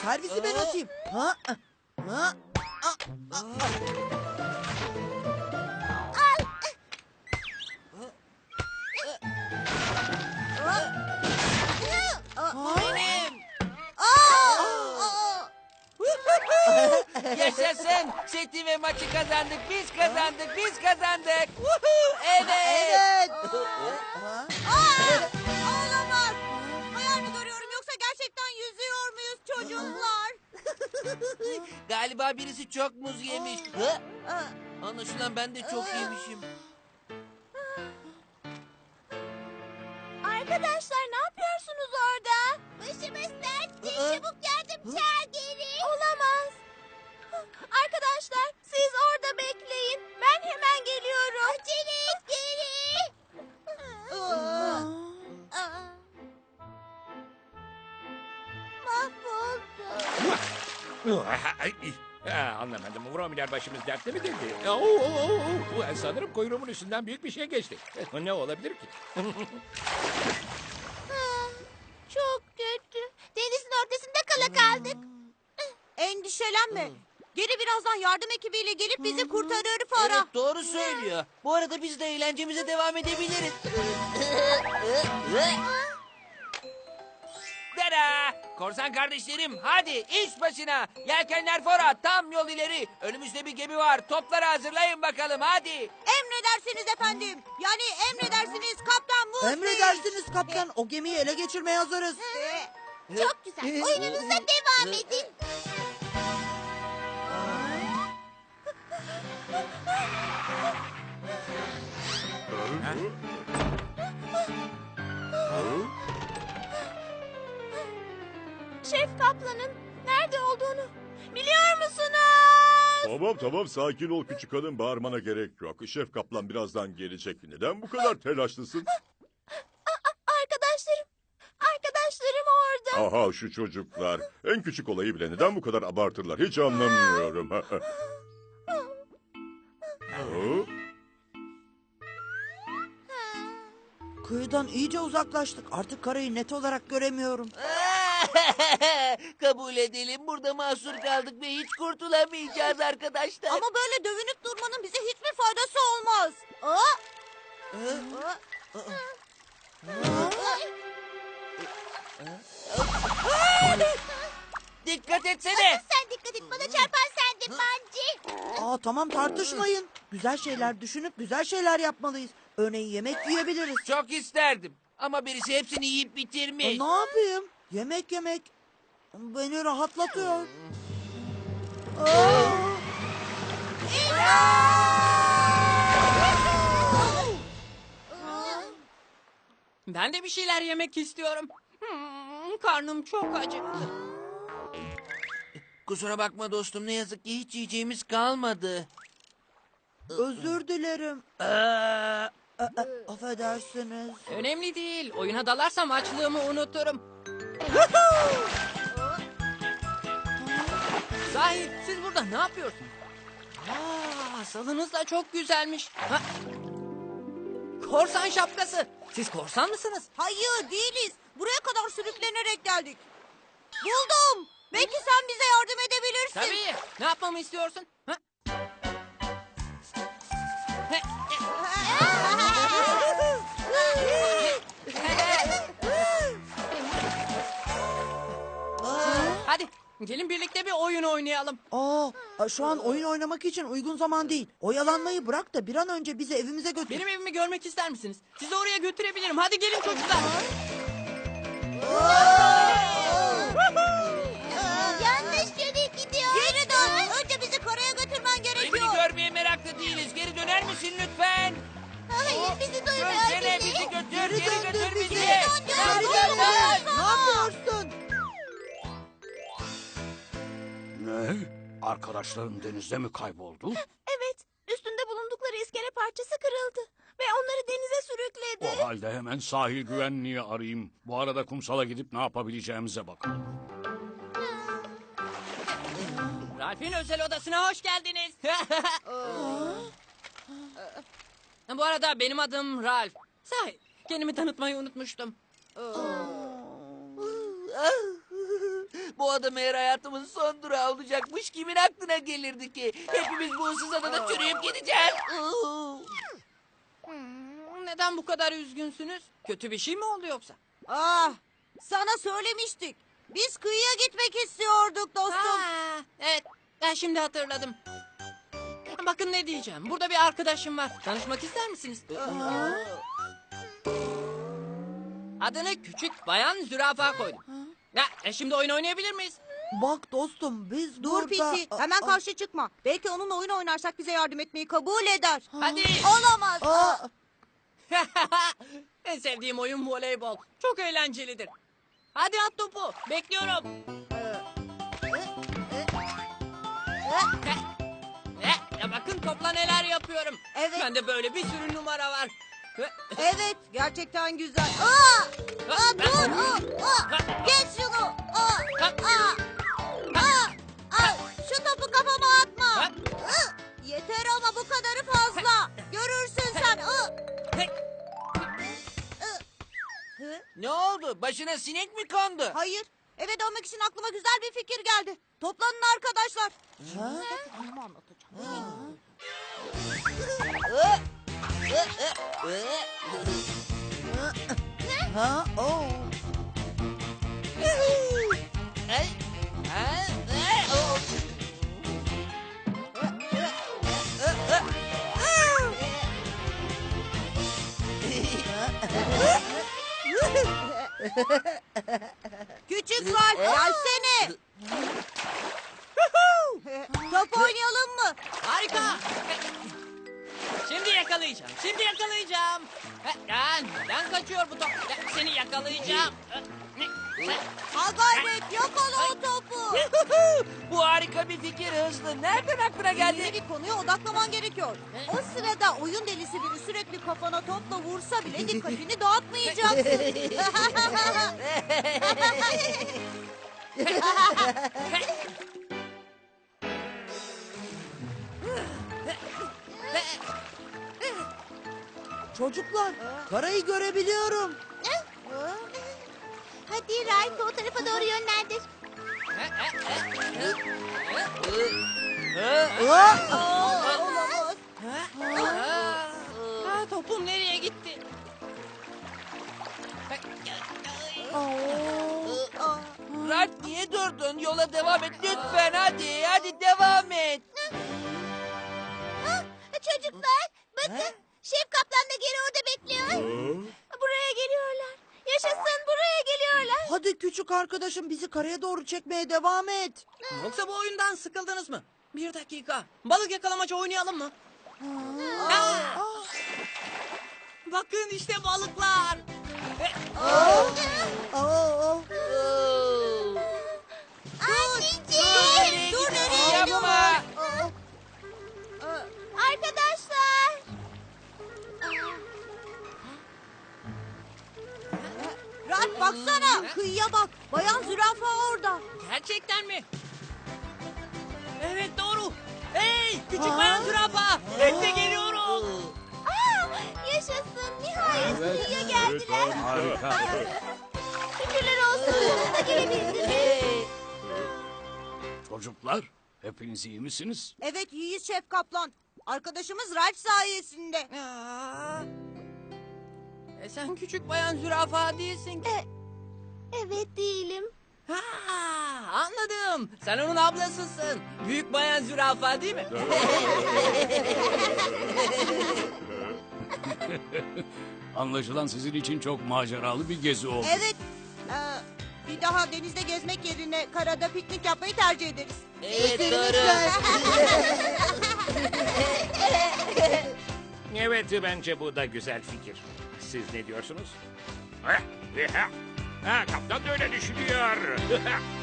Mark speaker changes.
Speaker 1: servisi ben atayım. Ha? Ha?
Speaker 2: Benim. Yaşasın. Seti ve maçı kazandık. Biz kazandık. Biz kazandık. Evet.
Speaker 1: Evet.
Speaker 3: Olamaz. Hayal mi görüyorum yoksa gerçekten yüzüyor muyuz çocuklar?
Speaker 2: Galiba birisi çok muz yemiş. Anlaşılan ben de çok yemişim.
Speaker 3: Arkadaşlar ne yapıyorsunuz orada? Başımız dertte. Çabuk yardım çağır geri. Olamaz. Arkadaşlar siz orada bekleyin. Ben hemen geliyorum. Acele et geri. Mahvoldum.
Speaker 4: Anlamadım. Vromiler başımız dertte mi dedi? Sanırım kuyruğumun üstünden büyük bir şey geçti. Ne olabilir ki?
Speaker 3: Çok kötü. Denizin ortasında kala kaldık. Endişelenme. Geri birazdan yardım ekibiyle gelip bizi kurtarır Farah.
Speaker 2: Evet, doğru söylüyor. Bu arada biz de eğlencemize devam edebiliriz. Dara! Korsan kardeşlerim hadi iş başına. Yelkenler fora, tam yol ileri. Önümüzde bir gemi var. Topları hazırlayın bakalım hadi.
Speaker 3: Emredersiniz efendim. Yani emredersiniz kaptan Musi.
Speaker 1: Emredersiniz kaptan. O gemiyi ele geçirmeye hazırız.
Speaker 3: Çok güzel. Oyununuza devam edin. Şef Kaplan'ın nerede olduğunu biliyor musunuz?
Speaker 5: Tamam sakin ol küçük hanım, bağırmana gerek yok. Şef Kaplan birazdan gelecek. Neden bu kadar telaşlısın?
Speaker 3: Arkadaşlarım orada.
Speaker 5: Aha şu çocuklar. En küçük olayı bile neden bu kadar abartırlar hiç anlamıyorum.
Speaker 1: Kıyıdan iyice uzaklaştık. Artık karayı net olarak göremiyorum.
Speaker 2: Kabul edelim burada mahsur kaldık ve hiç kurtulamayacağız arkadaşlar.
Speaker 3: Ama böyle dövünüp durmanın bize hiçbir faydası olmaz.
Speaker 2: Dikkat etsene.
Speaker 3: Sen dikkat et, bana çarpan sendin Mancı.
Speaker 1: Tamam tartışmayın. Güzel şeyler düşünüp güzel şeyler yapmalıyız. Örneğin yemek yiyebiliriz.
Speaker 2: Çok isterdim ama birisi hepsini yiyip bitirmiş.
Speaker 1: Ne yapayım? Yemek beni rahatlatıyor.
Speaker 6: Ben de bir şeyler yemek istiyorum. Karnım çok acıktı.
Speaker 2: Kusura bakma dostum, ne yazık ki hiç yiyeceğimiz kalmadı.
Speaker 1: Özür dilerim. Affedersiniz.
Speaker 6: Önemli değil. Oyuna dalarsam açlığımı unuturum. Sahi siz burada ne yapıyorsunuz? Salınız da çok güzelmiş. Korsan şapkası. Siz korsan mısınız?
Speaker 3: Hayır değiliz. Buraya kadar sürüklenerek geldik. Buldum. Belki sen bize yardım edebilirsin.
Speaker 6: Tabii. Ne yapmamı istiyorsun? Hadi gelin birlikte bir oyun oynayalım.
Speaker 1: Şu an oyun oynamak için uygun zaman değil. Oyalanmayı bırak da bir an önce bizi evimize götür.
Speaker 6: Benim evimi görmek ister misiniz? Sizi oraya götürebilirim. Hadi gelin çocuklar.
Speaker 3: Yanlış yere gidiyor. Geri dön. Önce bizi karaya götürmen
Speaker 2: Evini
Speaker 3: gerekiyor.
Speaker 2: görmeye meraklı değiliz. Geri döner misin lütfen?
Speaker 3: Hayır bizi duymuyor.
Speaker 2: Dönsene bizi götür. Geri götür bizi.
Speaker 1: Geri dön. Ne yapıyorsun?
Speaker 7: Ne? Arkadaşların denizde mi kayboldu?
Speaker 3: Evet. Üstünde bulundukları iskele parçası kırıldı. Ve onları denize sürükledi.
Speaker 7: O halde hemen sahil güvenliği arayayım. Bu arada kumsala gidip ne yapabileceğimize bakalım.
Speaker 6: Ralph'in özel odasına hoş geldiniz. Bu arada benim adım Ralph. Sahi kendimi tanıtmayı unutmuştum.
Speaker 2: Bu ada meğer hayatımın son durağı olacakmış. Kimin aklına gelirdi ki? Hepimiz bu ıssız adada çürüyüp gideceğiz.
Speaker 6: Neden bu kadar üzgünsünüz? Kötü bir şey mi oldu yoksa?
Speaker 3: Ah, sana söylemiştik. Biz kıyıya gitmek istiyorduk dostum.
Speaker 6: Ha, evet, ben şimdi hatırladım. Bakın ne diyeceğim. Burada bir arkadaşım var. Tanışmak ister misiniz? Adını Küçük Bayan Zürafa koydum. Şimdi oyun oynayabilir miyiz?
Speaker 1: Bak dostum biz
Speaker 3: Dur
Speaker 1: burada...
Speaker 3: Piti, hemen karşı çıkma. Belki onunla oyun oynarsak bize yardım etmeyi kabul eder.
Speaker 6: Hadi.
Speaker 3: Olamaz.
Speaker 1: Aa,
Speaker 6: En sevdiğim oyun voleybol. Çok eğlencelidir. Hadi at topu. Bekliyorum. Bakın topla neler yapıyorum.
Speaker 3: Evet.
Speaker 6: Bende böyle bir sürü numara var.
Speaker 3: Evet, gerçekten güzel. Dur. Geç şunu. Şu topu kafama atma. Yeter ama bu kadarı fazla. Görürsün sen.
Speaker 2: Ne oldu? Başına sinek mi kondu?
Speaker 3: Hayır. Eve dönmek için aklıma güzel bir fikir geldi. Toplanın arkadaşlar. Anneme anlatacağım.
Speaker 1: ha, oh.
Speaker 3: Küçük Ralph gelsene. Top oynayalım mı?
Speaker 6: Harika. Şimdi yakalayacağım. Şimdi yakalayacağım. Neden kaçıyor bu top? Seni yakalayacağım.
Speaker 3: Ha gayret yakala o topu.
Speaker 2: Bu harika bir fikir Hızlı. Nereden aklına
Speaker 3: Yeni
Speaker 2: geldi?
Speaker 3: bir konuya odaklaman gerekiyor. O sırada oyun delisi biri sürekli kafana topla vursa bile dikkatini dağıtmayacaksın.
Speaker 1: Çocuklar karayı görebiliyorum.
Speaker 3: Hadi Ralph o tarafa doğru yönlendir. Olamaz.
Speaker 6: Topum nereye gitti?
Speaker 2: Ralph niye durdun? Yola devam et lütfen. Hadi devam et.
Speaker 3: Çocuklar bakın. Şef Kaplan da geri orada bekliyor. Buraya geliyorlar. Yaşasın buraya geliyorlar.
Speaker 1: Hadi küçük arkadaşım bizi karaya doğru çekmeye devam et.
Speaker 6: Yoksa bu oyundan sıkıldınız mı? Bir dakika. Balık yakalamaca oynayalım mı? Bakın işte balıklar.
Speaker 3: Anneciğim. Dur nereye
Speaker 2: Yapma.
Speaker 3: Arkadaşlar. Ralph baksana. Kıyıya bak. Bayan zürafa orada.
Speaker 6: Gerçekten mi? Evet doğru. Hey küçük bayan zürafa. Bekle geliyorum.
Speaker 3: Yaşasın. Nihayet kıyıya geldiler.
Speaker 7: Harika.
Speaker 3: Şükürler olsun. Sonunda gelebildiniz.
Speaker 7: Çocuklar, hepiniz iyi misiniz?
Speaker 3: Evet iyiyiz Şef Kaplan. Arkadaşımız Ralph sayesinde.
Speaker 6: Sen küçük bayan zürafa değilsin ki.
Speaker 3: Evet değilim.
Speaker 6: Anladım. Sen onun ablasısın. Büyük bayan zürafa değil mi?
Speaker 7: Anlaşılan sizin için çok maceralı bir gezi oldu.
Speaker 3: Evet. Bir daha denizde gezmek yerine karada piknik yapmayı tercih ederiz.
Speaker 2: Evet doğru.
Speaker 4: Evet, bence bu da güzel fikir. Siz ne diyorsunuz? Kaptan da öyle düşünüyor.